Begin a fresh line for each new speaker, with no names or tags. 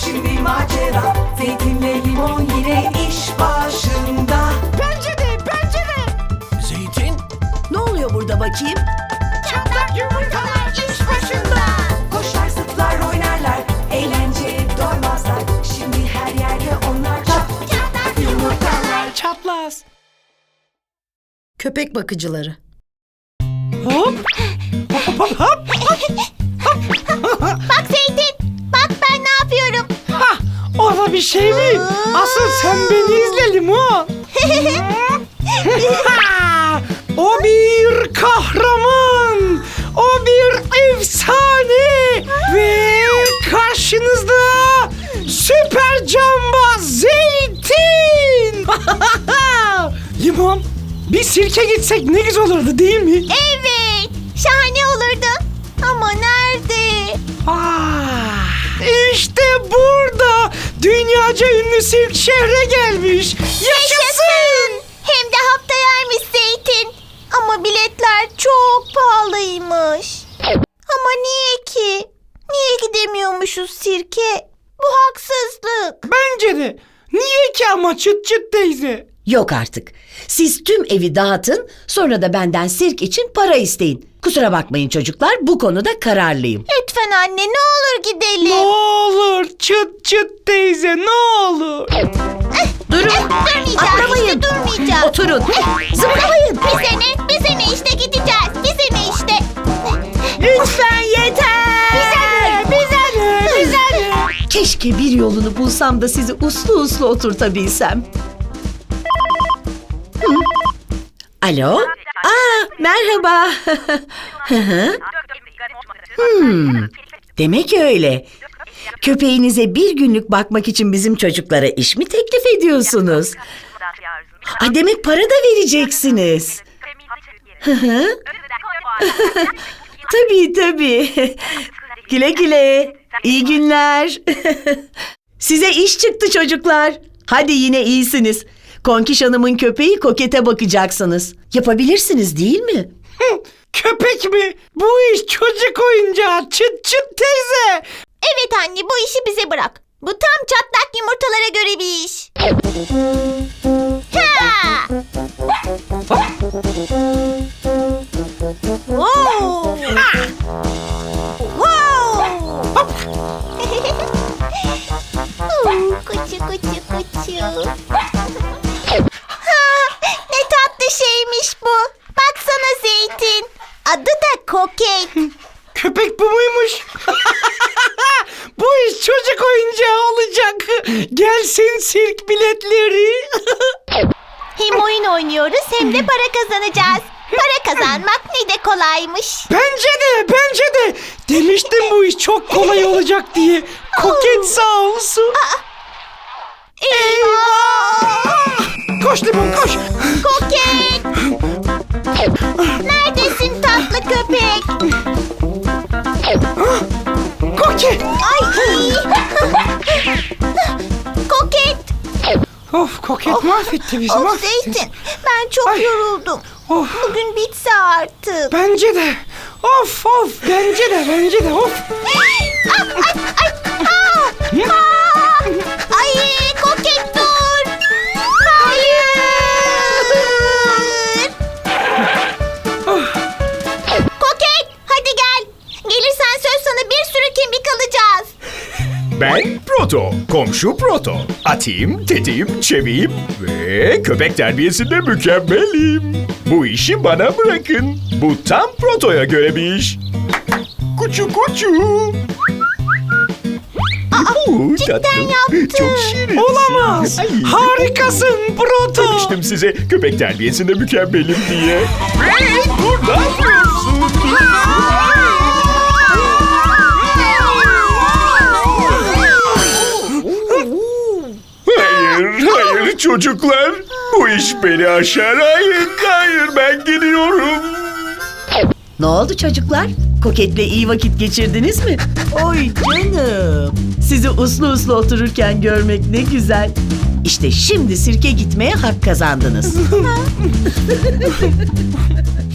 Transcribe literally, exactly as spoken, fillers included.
şimdi macera. Zeytinle limon yine iş başında.
Pencere, pencere.
Zeytin?
Ne oluyor burada bakayım?
Çatlak yumurtalar iş başında.
Koşar zıplar oynarlar, eğlence doymazlar. Şimdi her yerde onlar çat çatlak yumurtalar.
Çatlaz.
Köpek bakıcıları.
Hop. Hop hop hop.
Bak Zeytin, bak ben ne yapıyorum.
Ha, orada bir şey mi? Asıl sen beni izle Limon. Ha, o bir kahraman. O bir efsane. Ve karşınızda süper cambaz Zeytin. Limon, bir sirke gitsek ne güzel olurdu değil mi?
Evet, şahane olurdu. Ama nerede?
Ah, işte burada dünyaca ünlü sirk şehre gelmiş. Yaşasın!
Hem de haftayaymış Zeytin. Ama biletler çok pahalıymış. Ama niye ki? Niye gidemiyormuşuz sirke? Bu haksızlık.
Bence de. Niye ki ama çıt çıt teyze?
Yok artık. Siz tüm evi dağıtın, sonra da benden sirk için para isteyin. Kusura bakmayın çocuklar, bu konuda kararlıyım.
Lütfen anne, ne olur
Ne
gidelim.
olur çıt çıt teyze ne olur.
Durun,
Durmayacağız,
atlamayın.
işte durmayacağız.
Oturun, zıplamayın.
Bir sene, bir sene işte gideceğiz. Bir sene işte.
Lütfen yeter.
Bize ne? Bize ne?
Keşke bir yolunu bulsam da sizi uslu uslu oturtabilsem. Hı. Alo? Aa, merhaba. Hı hı. Hmm, demek öyle. Köpeğinize bir günlük bakmak için bizim çocuklara iş mi teklif ediyorsunuz? Aa, demek para da vereceksiniz. Hı hı. Tabii tabii. Güle güle. İyi günler. Size iş çıktı çocuklar. Hadi yine iyisiniz. Konkiş Hanım'ın köpeği Koket'e bakacaksınız. Yapabilirsiniz değil mi?
Hı, köpek mi? Bu iş çocuk oyuncağı çıt çıt teyze.
Evet anne, bu işi bize bırak. Bu tam çatlak yumurtalara göre bir iş. Ha! Wow! Wow! Oo, kuçu kuçu kuçu. Ha, ne tatlı şeymiş bu. Baksana Zeytin. Adı da Koket.
Köpek bu muymuş? Bu iş çocuk oyuncağı olacak. Gelsin sirk biletleri.
Hem oyun oynuyoruz hem de para kazanacağız. Para kazanmak ne de kolaymış.
Bence de, bence de. Demiştim bu iş çok kolay olacak diye. Koket sağ olsun.
Eyvah!
Koş Limon koş.
Koket! Neredesin tatlı köpek?
Koket.
Ay! Koket!
Of Koket mahvetti bizi
Of
mahvetti.
Zeytin, ben çok
Ay.
yoruldum.
Of.
Bugün bitse artık.
Bence de. Of of bence de bence de of.
Ah, ay, ay, ah, ah. Ay, Koket dur! Hayır! Koket, hadi gel. Gelirsen söz sana bir sürü kemik alacağız.
Ben Proto, komşu Proto. Atayım, tetiğim, çeviyim ve köpek terbiyesinde mükemmelim. Bu işi bana bırakın. Bu tam Proto'ya göre bir iş. Kuçu kuçu. Aa,
cidden yaptın.
Çok şirin.
Olamaz. Harikasın Proto.
Demiştim size köpek terbiyesinde mükemmelim diye. Hey, dur ne yapıyorsun? Hayır, hayır çocuklar. Bu iş beni aşar. Hayır, hayır ben gidiyorum.
Ne oldu çocuklar? Koket'le iyi vakit geçirdiniz mi? Oy canım. Sizi uslu uslu otururken görmek ne güzel. İşte şimdi sirke gitmeye hak kazandınız.